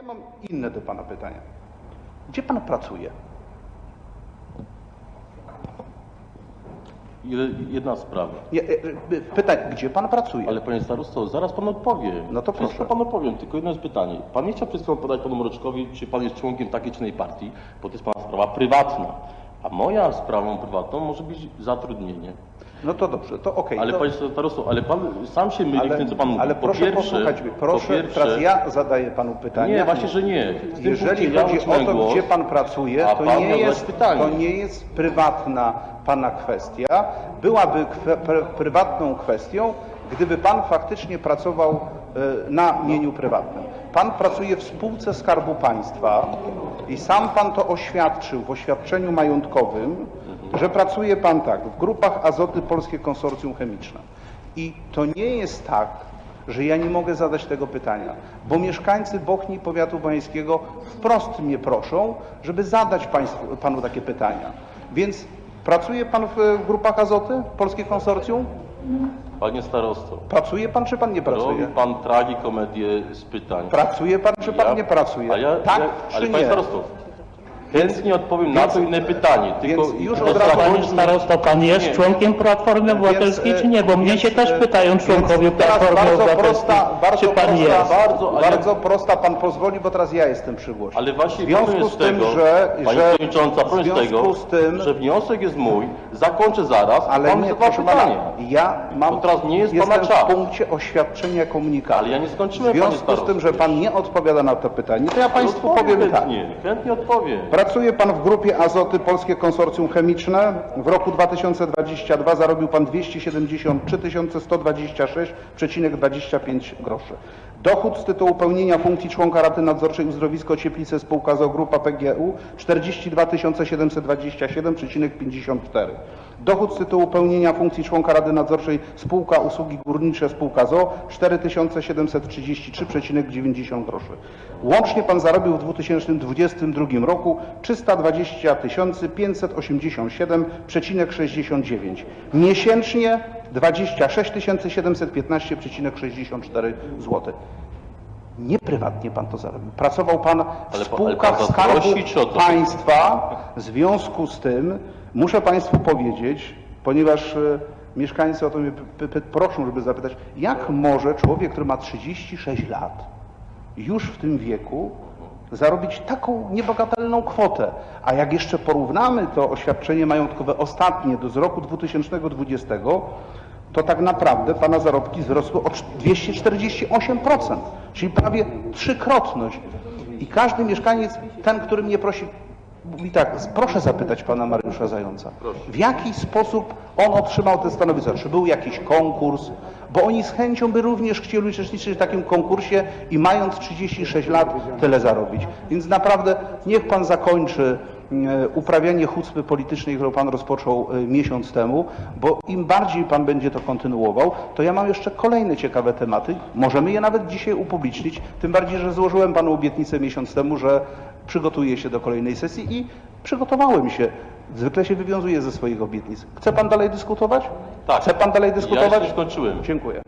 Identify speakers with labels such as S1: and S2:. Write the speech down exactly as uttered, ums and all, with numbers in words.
S1: mam inne do pana pytania. Gdzie pan pracuje?
S2: Jedna sprawa.
S1: Nie, pytanie, gdzie pan pracuje?
S2: Ale panie starosto, zaraz pan odpowie.
S1: No to proszę.
S2: Wszystko panu powiem, tylko jedno jest pytanie. Pan nie chciał przed chwilą podać panu Mroczkowi, czy pan jest członkiem takiej czy innej partii, bo to jest pana sprawa prywatna. A moja sprawą prywatną może być zatrudnienie.
S1: No to dobrze, to okej.
S2: Ale
S1: to...
S2: panie starosto, ale pan sam się myli
S1: ale,
S2: w tym, co pan mówi.
S1: ale
S2: Po
S1: proszę
S2: pierwsze,
S1: posłuchać mnie. Proszę,
S2: po pierwsze,
S1: teraz ja zadaję panu pytanie.
S2: Nie, właśnie, że nie. W tym
S1: Jeżeli
S2: punkcie
S1: chodzi
S2: ja
S1: o to,
S2: głos,
S1: gdzie pan pracuje,
S2: a
S1: to
S2: pan
S1: nie,
S2: miał
S1: jest,
S2: zadać pytanie.
S1: to nie jest prywatna pana kwestia. Byłaby kwe, pr, prywatną kwestią, gdyby pan faktycznie pracował y, na mieniu prywatnym. Pan pracuje w spółce Skarbu Państwa i sam pan to oświadczył w oświadczeniu majątkowym, że pracuje pan tak, w grupach Azoty Polskie Konsorcjum Chemiczne. I to nie jest tak, że ja nie mogę zadać tego pytania, bo mieszkańcy Bochni i powiatu bojańskiego wprost mnie proszą, żeby zadać państwu, panu takie pytania. Więc pracuje pan w grupach Azoty Polskie Konsorcjum?
S2: Panie starosto,
S1: Pracuje pan, czy pan nie pracuje?
S2: robi pan tragikomedię z pytań.
S1: Pracuje pan, czy pan
S2: Ja-
S1: nie pracuje?
S2: A ja,
S1: Tak,
S2: ja,
S1: czy
S2: ale
S1: nie?
S2: panie starosto, chętnie odpowiem na
S1: Więc-
S2: to inne pytanie. Tylko
S1: więc już
S2: tylko
S1: od razu-
S2: zakończmy-
S3: Panie starosto, pan jest
S2: Nie.
S3: członkiem Platformy Obywatelskiej,
S1: Więc,
S3: czy nie? Bo mnie
S1: więc,
S3: się też
S1: e,
S3: pytają członkowie
S1: więc teraz
S3: Platformy
S1: bardzo
S3: Obywatelskiej,
S1: prosta, bardzo
S3: czy pan
S1: prosta,
S3: jest.
S2: Bardzo, ale-
S1: bardzo prosta, pan pozwoli, bo teraz ja jestem przy głosie.
S2: Ale właśnie
S1: w związku
S2: problem
S1: z
S2: jest
S1: tym,
S2: tego,
S1: że,
S2: pani
S1: że
S2: przewodnicząca,
S1: w
S2: problem jest
S1: związku
S2: tego,
S1: z tym,
S2: że wniosek jest mój, zakończę zaraz,
S1: ale
S2: pan
S1: nie,
S2: zada
S1: proszę
S2: pytanie.
S1: pana, ja mam,
S2: Bo teraz nie jest
S1: jestem
S2: pana czas.
S1: w punkcie oświadczenia komunikatu.
S2: Ale ja nie skończyłem,
S1: W związku
S2: panie
S1: z tym,
S2: starosto.
S1: że pan nie odpowiada na to pytanie, to ja państwu
S2: Odpowiem
S1: powiem tak.
S2: chętnie, chętnie odpowiem.
S1: Pracuje pan w grupie Azoty Polskie Konsorcjum Chemiczne. W roku dwa tysiące dwudziestym drugim zarobił pan dwieście siedemdziesiąt trzy tysiące sto dwadzieścia sześć przecinek dwadzieścia pięć groszy. Dochód z tytułu pełnienia funkcji członka Rady Nadzorczej Uzdrowisko Cieplice spółka z o o Grupa P G U czterdzieści dwa tysiące siedemset dwadzieścia siedem przecinek pięćdziesiąt cztery. Dochód z tytułu pełnienia funkcji członka Rady Nadzorczej spółka Usługi Górnicze spółka z o o cztery tysiące siedemset trzydzieści trzy przecinek dziewięćdziesiąt groszy. Łącznie pan zarobił w dwa tysiące dwudziestym drugim roku trzysta dwadzieścia tysięcy pięćset osiemdziesiąt siedem przecinek sześćdziesiąt dziewięć. Miesięcznie dwadzieścia sześć tysięcy siedemset piętnaście przecinek sześćdziesiąt cztery zł. Nie prywatnie pan to zarobił. Pracował pan w
S2: Ale pa- ale
S1: spółkach
S2: pan
S1: Skarbu
S2: zaprosi, czy o co?
S1: Państwa. W związku z tym muszę państwu powiedzieć, ponieważ e, mieszkańcy o to mnie p- p- proszą, żeby zapytać, jak może człowiek, który ma trzydzieści sześć lat, już w tym wieku zarobić taką niebagatelną kwotę. A jak jeszcze porównamy to oświadczenie majątkowe ostatnie do z roku dwutysięcznego dwudziestego, to tak naprawdę pana zarobki wzrosły o dwieście czterdzieści osiem procent, czyli prawie trzykrotność. I każdy mieszkaniec, ten, który mnie prosi, mówi tak, proszę zapytać pana Mariusza Zająca, w jaki sposób on otrzymał te stanowisko? Czy był jakiś konkurs? Bo oni z chęcią by również chcieli uczestniczyć w takim konkursie i mając trzydzieści sześć lat tyle zarobić. Więc naprawdę niech pan zakończy e, uprawianie hucpy politycznej, którą pan rozpoczął e, miesiąc temu, bo im bardziej pan będzie to kontynuował, to ja mam jeszcze kolejne ciekawe tematy. Możemy je nawet dzisiaj upublicznić, tym bardziej, że złożyłem panu obietnicę miesiąc temu, że przygotuję się do kolejnej sesji i przygotowałem się. Zwykle się wywiązuję ze swoich obietnic. Chce pan dalej dyskutować?
S2: Tak.
S1: Chce pan dalej
S2: Ja
S1: dyskutować?
S2: jeszcze nie skończyłem.
S1: Dziękuję.